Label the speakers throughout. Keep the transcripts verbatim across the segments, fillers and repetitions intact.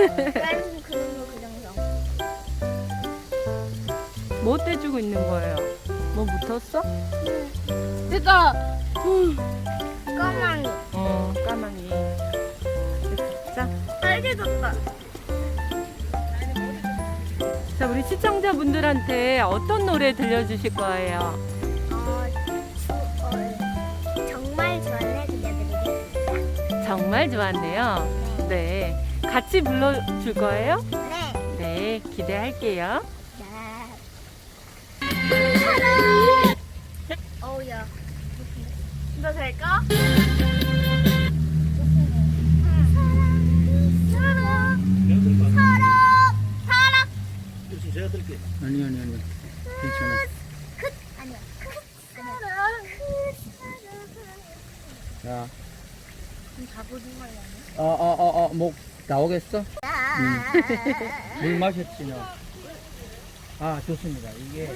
Speaker 1: 다른 그런 거 그정도.
Speaker 2: 뭐 떼주고 있는 거예요? 뭐 묻었어?
Speaker 1: 제가 음, 까만
Speaker 2: 어, 까망이. 자,
Speaker 1: 빨개졌다.
Speaker 2: 자, 우리 시청자분들한테 어떤 노래 들려주실 거예요?
Speaker 1: 어, 주, 어, 정말 좋아해 들려드리겠습니다.
Speaker 2: 정말 좋았네요. 네. 같이 불러줄 거예요?
Speaker 1: 네.
Speaker 2: 네, 기대할게요.
Speaker 1: 사랑. 어우야. 너 될까? 사랑, 사랑, 사랑.
Speaker 3: 그렇지, 제가 들게.
Speaker 4: 아니 아니 아니 괜찮아.
Speaker 1: 끝 아니야. 끝 사랑, 끝 사랑.
Speaker 4: 자,
Speaker 1: 그럼 자보는 거야.
Speaker 4: 어어 어 어 목 나오겠어?
Speaker 1: 물
Speaker 4: 물 마셨지 너? 아 좋습니다. 이게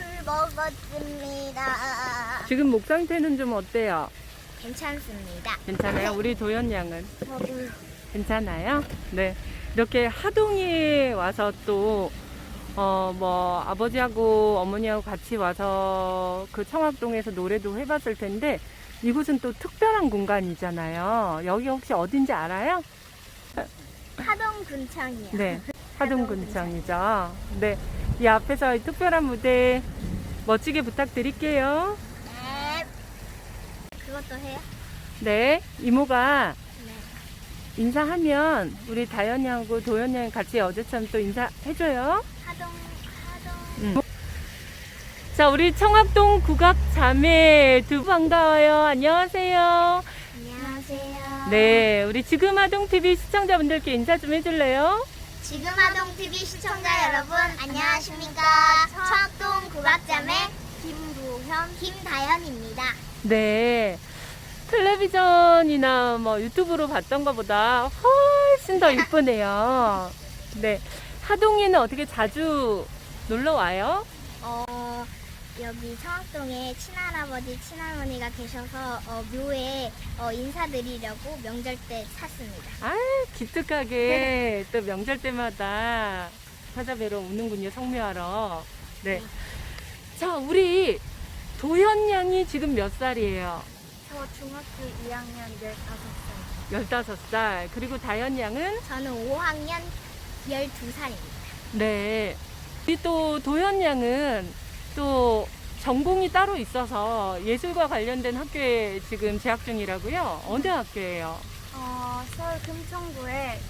Speaker 1: 먹었습니다.
Speaker 2: 지금 목 상태는 좀 어때요?
Speaker 1: 괜찮습니다.
Speaker 2: 괜찮아요? 우리 도연 양은
Speaker 1: 저도
Speaker 2: 괜찮아요? 네. 이렇게 하동에 와서 또, 어, 뭐, 아버지하고 어머니하고 같이 와서 그 청학동에서 노래도 해봤을 텐데, 이곳은 또 특별한 공간이잖아요. 여기 혹시 어딘지 알아요?
Speaker 1: 하동 군청이요.
Speaker 2: 네. 하동군청이죠. 네. 이 앞에서 이 특별한 무대 멋지게 부탁드릴게요.
Speaker 1: 네. 그것도 해요?
Speaker 2: 네. 이모가
Speaker 1: 네.
Speaker 2: 인사하면 우리 다현이하고 도현이 같이 어제처럼 또 인사해줘요.
Speaker 1: 하동 하동.
Speaker 2: 음. 자, 우리 청학동 국악 자매 두 분 반가워요. 안녕하세요.
Speaker 1: 안녕하세요.
Speaker 2: 네, 우리 지금 하동 티비 시청자분들께 인사 좀 해줄래요?
Speaker 1: 지금 하동 티비 시청자 여러분 안녕하십니까? 청학동 국악자매 김도현, 김다현입니다.
Speaker 2: 네. 텔레비전이나 뭐 유튜브로 봤던 것보다 훨씬 더 이쁘네요. 네. 하동에는 어떻게 자주 놀러 와요?
Speaker 1: 어 여기 청학동에 친할아버지, 친할머니가 계셔서 어, 묘에 어, 인사드리려고 명절 때 샀습니다.
Speaker 2: 아, 기특하게 또 명절 때마다 찾아뵈러 오는군요, 성묘하러. 네. 자, 우리 도현 양이 지금 몇 살이에요?
Speaker 1: 저 중학교 이 학년 열다섯 살.
Speaker 2: 열다섯 살. 그리고 다현 양은?
Speaker 1: 저는 오 학년 열두 살입니다.
Speaker 2: 네. 우리 또 도현 양은 또 전공이 따로 있어서 예술과 관련된 학교에 지금 재학 중이라고요? 어느 학교예요?
Speaker 1: 어, 서울 금천구의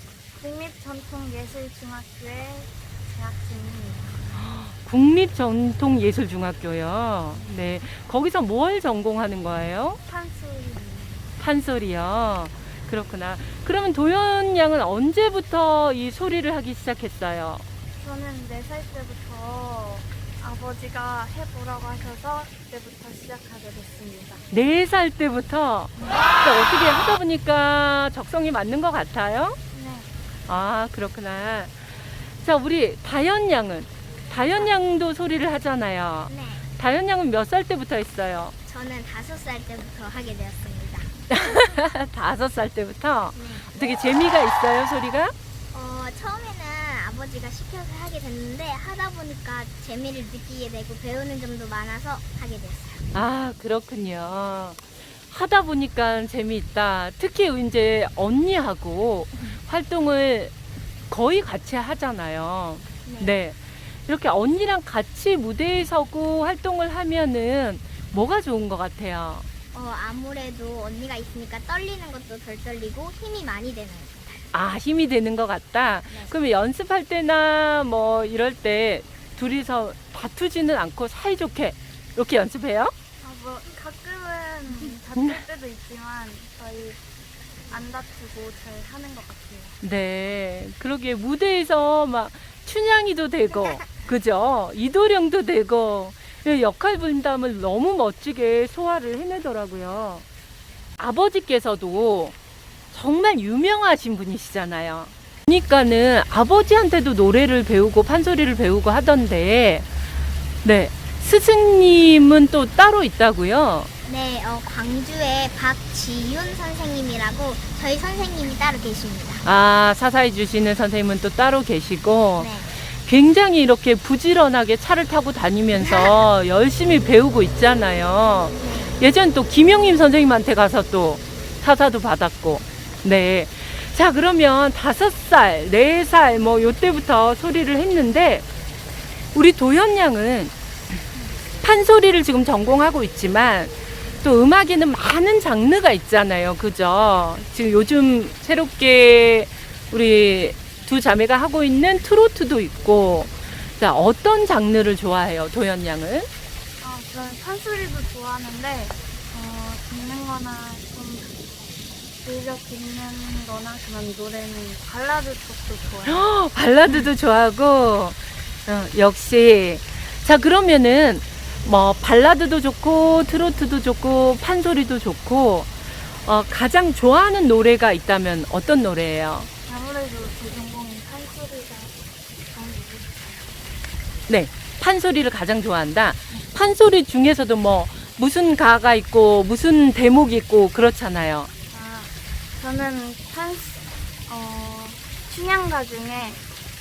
Speaker 1: 국립전통예술중학교에 재학 중입니다.
Speaker 2: 국립전통예술중학교요. 네. 거기서 뭘 전공하는 거예요?
Speaker 1: 판소리입니다.
Speaker 2: 판소리요. 그렇구나. 그러면 도현 양은 언제부터 이 소리를 하기 시작했어요?
Speaker 1: 저는 네 살 때부터 아버지가 해보라고 하셔서 그때부터 시작하게 됐습니다.
Speaker 2: 네 살 때부터? 그러니까 어떻게 하다 보니까 적성이 맞는 것 같아요?
Speaker 1: 네.
Speaker 2: 아, 그렇구나. 자, 우리 다현 양은? 다현 양도 소리를 하잖아요.
Speaker 1: 네.
Speaker 2: 다현 양은 몇 살 때부터 했어요?
Speaker 1: 저는 다섯 살 때부터 하게 되었습니다.
Speaker 2: 다섯 살 때부터?
Speaker 1: 네.
Speaker 2: 어떻게 재미가 있어요, 소리가?
Speaker 1: 어, 처음에는 아버지가 시켜서 하게 됐는데 하다 보니까 재미를 느끼게 되고 배우는 점도 많아서 하게 됐어요.
Speaker 2: 아, 그렇군요. 하다 보니까 재미있다. 특히 이제 언니하고 활동을 거의 같이 하잖아요.
Speaker 1: 네.
Speaker 2: 네. 이렇게 언니랑 같이 무대에 서고 활동을 하면은 뭐가 좋은 것 같아요?
Speaker 1: 어, 아무래도 언니가 있으니까 떨리는 것도 덜 떨리고 힘이 많이 되는 것 같아요.
Speaker 2: 아, 힘이 되는 것 같다.
Speaker 1: 네.
Speaker 2: 그러면 연습할 때나 뭐 이럴 때 둘이서 다투지는 않고 사이좋게 이렇게 연습해요?
Speaker 5: 아, 뭐 가끔은 다툴 때도 있지만 저희 안 다투고 잘 하는 것 같아요.
Speaker 2: 네. 그러게 무대에서 막 춘향이도 되고, 그죠? 이도령도 되고, 역할 분담을 너무 멋지게 소화를 해내더라고요. 아버지께서도 정말 유명하신 분이시잖아요. 그러니까는 아버지한테도 노래를 배우고 판소리를 배우고 하던데, 네. 스승님은 또 따로 있다고요?
Speaker 1: 네, 어, 광주의 박지윤 선생님이라고 저희 선생님이 따로 계십니다.
Speaker 2: 아, 사사해 주시는 선생님은 또 따로 계시고
Speaker 1: 네.
Speaker 2: 굉장히 이렇게 부지런하게 차를 타고 다니면서 열심히 배우고 있잖아요. 예전 또 김영림 선생님한테 가서 또 사사도 받았고. 네. 자, 그러면 다섯 살, 네 살 뭐 요때부터 소리를 했는데 우리 도현 양은 판소리를 지금 전공하고 있지만 또 음악에는 많은 장르가 있잖아요. 그죠? 지금 요즘 새롭게 우리 두 자매가 하고 있는 트로트도 있고. 자, 어떤 장르를 좋아해요, 도현 양은?
Speaker 5: 어, 저는 판소리도 좋아하는데 어, 듣는 거나 좀 즐겨 듣는 거나 그런 노래는 발라드 쪽도 좋아해요.
Speaker 2: 헉, 발라드도 좋아하고. 어, 역시. 자, 그러면은 뭐 발라드도 좋고 트로트도 좋고 판소리도 좋고 어, 가장 좋아하는 노래가 있다면 어떤 노래예요?
Speaker 5: 아무래도 제 전공인 판소리가 너무 좋아요.
Speaker 2: 네, 판소리를 가장 좋아한다. 판소리 중에서도 뭐 무슨 가가 있고 무슨 대목이 있고 그렇잖아요.
Speaker 5: 아, 저는 판, 어, 춘향가 중에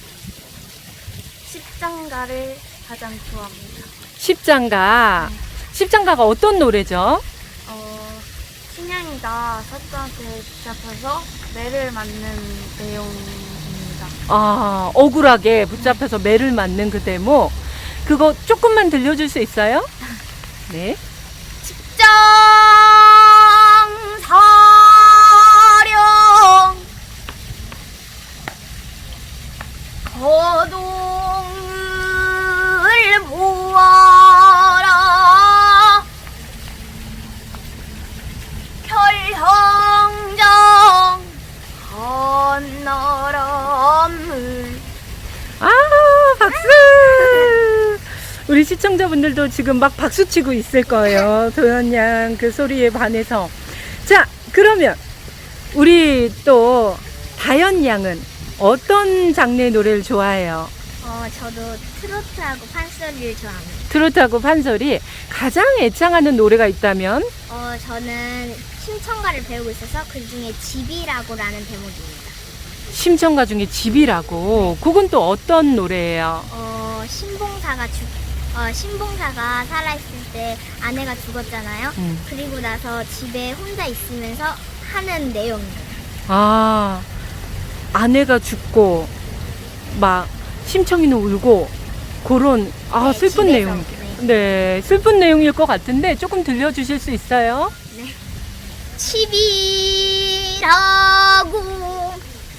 Speaker 5: 십장가를 가장 좋아합니다.
Speaker 2: 십장가. 십장가가 어떤 노래죠?
Speaker 5: 어, 춘향이가 사또한테 붙잡혀서 매를 맞는 내용입니다.
Speaker 2: 아, 억울하게 붙잡혀서 매를 맞는 그 대목. 그거 조금만 들려줄 수 있어요? 네.
Speaker 1: 십장사령 거동을 보아라 별형정 한나라물.
Speaker 2: 아, 박수! 우리 시청자분들도 지금 막 박수 치고 있을 거예요. 도현 양 그 소리에 반해서. 자, 그러면 우리 또 다현 양은 어떤 장르의 노래를 좋아해요?
Speaker 1: 어, 저도 트로트하고 판소리를 좋아합니다.
Speaker 2: 트로트하고 판소리. 가장 애창하는 노래가 있다면?
Speaker 1: 어, 저는 심청가를 배우고 있어서 그 중에 집이라고라는 대목입니다.
Speaker 2: 심청가 중에 집이라고. 그건 또 어떤 노래예요?
Speaker 1: 어, 신봉사가 죽, 어, 신봉사가 살아있을 때 아내가 죽었잖아요.
Speaker 2: 음.
Speaker 1: 그리고 나서 집에 혼자 있으면서 하는 내용이에요.
Speaker 2: 아, 아내가 죽고 막 심청이는 울고 그런 아
Speaker 1: 네,
Speaker 2: 슬픈
Speaker 1: 집에서,
Speaker 2: 내용. 네, 슬픈 내용일 것 같은데 조금 들려주실 수 있어요?
Speaker 1: 집이라고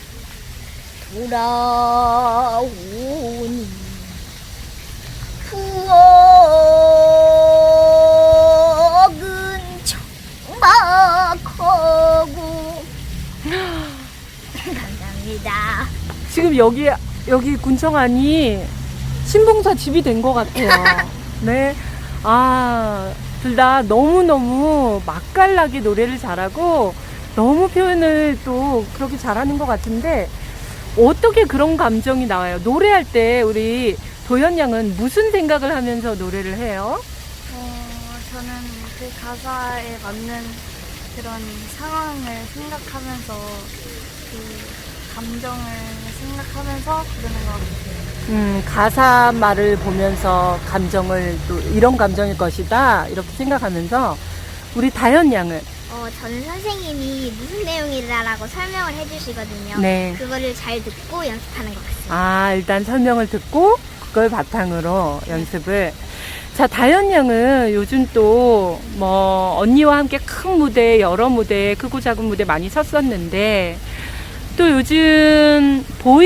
Speaker 1: 돌아오니 부엌은 청박하고. 감사합니다.
Speaker 2: 지금 여기 여기 군청안이 신봉사 집이 된 것 같아요. 네, 아, 둘 다 너무 너무 맛깔나게 노래를 잘하고 너무 표현을 또 그렇게 잘하는 것 같은데 어떻게 그런 감정이 나와요? 노래할 때 우리 도현 양은 무슨 생각을 하면서 노래를 해요?
Speaker 5: 어, 저는 그 가사에 맞는 그런 상황을 생각하면서 그 감정을 생각하면서 부르는 것 같아요.
Speaker 2: 음, 가사 말을 보면서 감정을 또 이런 감정일 것이다 이렇게 생각하면서 우리 다현 양은
Speaker 1: 어, 저는 선생님이 무슨 내용이라고 설명을 해주시거든요.
Speaker 2: 네.
Speaker 1: 그거를 잘 듣고 연습하는 것 같습니다.
Speaker 2: 아, 일단 설명을 듣고 그걸 바탕으로 연습을. 자, 다현 양은 요즘 또 뭐 언니와 함께 큰 무대, 여러 무대, 크고 작은 무대 많이 섰었는데 또 요즘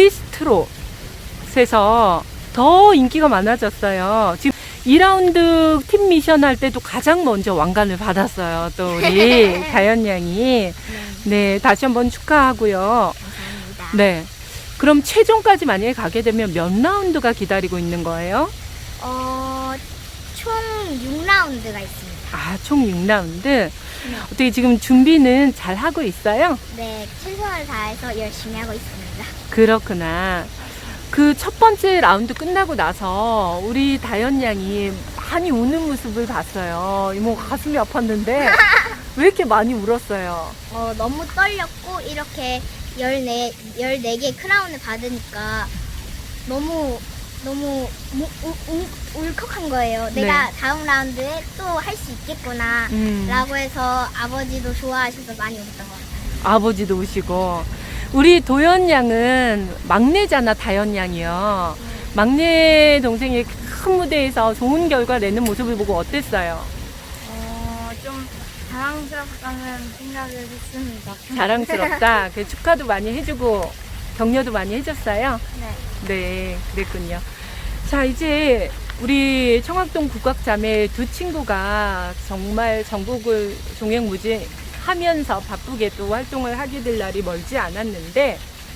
Speaker 2: 보이스트롯에서 더 인기가 많아졌어요. 지금 이 라운드 팀 미션 할 때도 가장 먼저 왕관을 받았어요. 또 우리 다현 양이. 네, 다시 한번 축하하고요.
Speaker 1: 감사합니다.
Speaker 2: 네. 그럼 최종까지 만약에 가게 되면 몇 라운드가 기다리고 있는 거예요?
Speaker 1: 어, 총 육 라운드가 있습니다.
Speaker 2: 아, 총 육 라운드. 어떻게 지금 준비는 잘 하고 있어요?
Speaker 1: 네, 최선을 다해서 열심히 하고 있습니다.
Speaker 2: 그렇구나. 그 첫 번째 라운드 끝나고 나서 우리 다현 양이 많이 우는 모습을 봤어요. 이모 가슴이 아팠는데 왜 이렇게 많이 울었어요?
Speaker 1: 어, 너무 떨렸고 이렇게 열네, 열네 개 크라운을 받으니까 너무 너무 무- 우- 우- 울컥한 거예요.
Speaker 2: 네.
Speaker 1: 내가 다음 라운드에 또 할 수 있겠구나
Speaker 2: 음.
Speaker 1: 라고 해서 아버지도 좋아하셔서 많이 울었던 것 같아요.
Speaker 2: 아버지도 우시고. 우리 도연 양은 막내잖아, 다연 양이요. 막내 동생이 큰 무대에서 좋은 결과 내는 모습을 보고 어땠어요?
Speaker 5: 어, 좀 자랑스럽다는 생각을 했습니다.
Speaker 2: 자랑스럽다. 그 축하도 많이 해주고 격려도 많이 해줬어요.
Speaker 5: 네.
Speaker 2: 네, 그랬군요. 자, 이제 우리 청학동 국악자매 두 친구가 정말 전국을 종횡무진하면서 바쁘게 또 활동을 하게 될 날이 멀지 않았는데,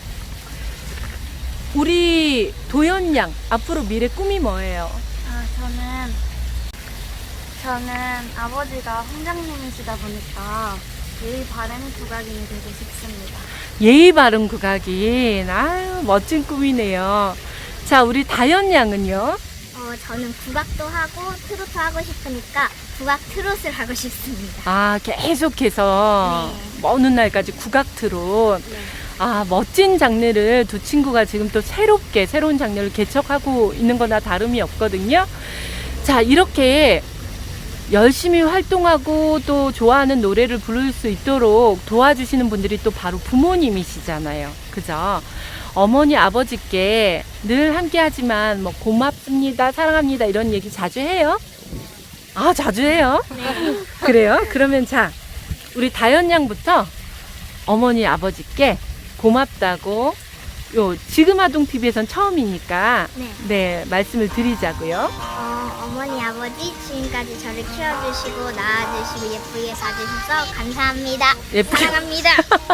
Speaker 2: 우리 도연 양 앞으로 미래 꿈이 뭐예요?
Speaker 5: 아, 저는 저는 아버지가 홍장님이시다 보니까 예의 바른 국악인이 되고 싶습니다.
Speaker 2: 예의 바른 국악인. 아유, 멋진 꿈이네요. 자, 우리 다연 양은요?
Speaker 1: 어, 저는 국악도 하고 트로트 하고 싶으니까 국악 트롯을 하고 싶습니다.
Speaker 2: 아, 계속해서
Speaker 1: 네.
Speaker 2: 먼 날까지 국악 트롯.
Speaker 1: 네.
Speaker 2: 아, 멋진 장르를 두 친구가 지금 또 새롭게 새로운 장르를 개척하고 있는 거나 다름이 없거든요. 자, 이렇게 열심히 활동하고 또 좋아하는 노래를 부를 수 있도록 도와주시는 분들이 또 바로 부모님이시잖아요. 그죠? 어머니, 아버지께 늘 함께 하지만 뭐 고맙습니다, 사랑합니다 이런 얘기 자주 해요? 아, 자주 해요?
Speaker 1: 네.
Speaker 2: 그래요? 그러면 자, 우리 다연 양부터 어머니, 아버지께 고맙다고, 요 지금 아동 티비에선 처음이니까
Speaker 1: 네.
Speaker 2: 네, 말씀을 드리자고요.
Speaker 1: 어, 어머니, 아버지 지금까지 저를 키워주시고 낳아주시고 예쁘게 봐주셔서 감사합니다.
Speaker 2: 예쁘게
Speaker 1: 사랑합니다.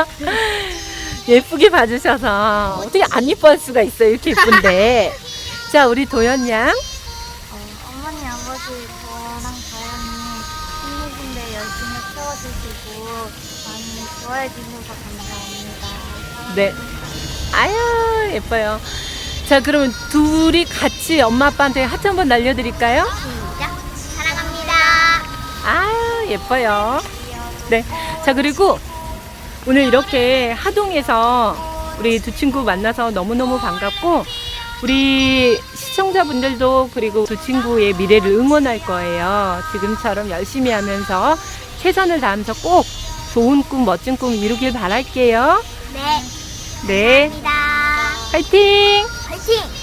Speaker 2: 예쁘게 봐주셔서 어떻게 안 이뻐할 수가 있어요, 이렇게 예쁜데. 자, 우리 도연 양.
Speaker 5: 어, 어머니, 아버지 저랑 다현이 힘드신데 열심히 키워주시고 많이 좋아해 주셔서 감사합니다.
Speaker 2: 네. 아유, 예뻐요. 자, 그러면 둘이 같이 엄마 아빠한테 하트 한번 날려드릴까요?
Speaker 1: 시작. 사랑합니다.
Speaker 2: 아유, 예뻐요. 네. 자, 그리고 오늘 이렇게 하동에서 우리 두 친구 만나서 너무너무 반갑고, 우리 시청자분들도 그리고 두 친구의 미래를 응원할 거예요. 지금처럼 열심히 하면서 최선을 다하면서 꼭 좋은 꿈, 멋진 꿈 이루길 바랄게요.
Speaker 1: 네.
Speaker 2: 네.
Speaker 1: 감사합니다.
Speaker 2: 화이팅!
Speaker 1: 화이팅!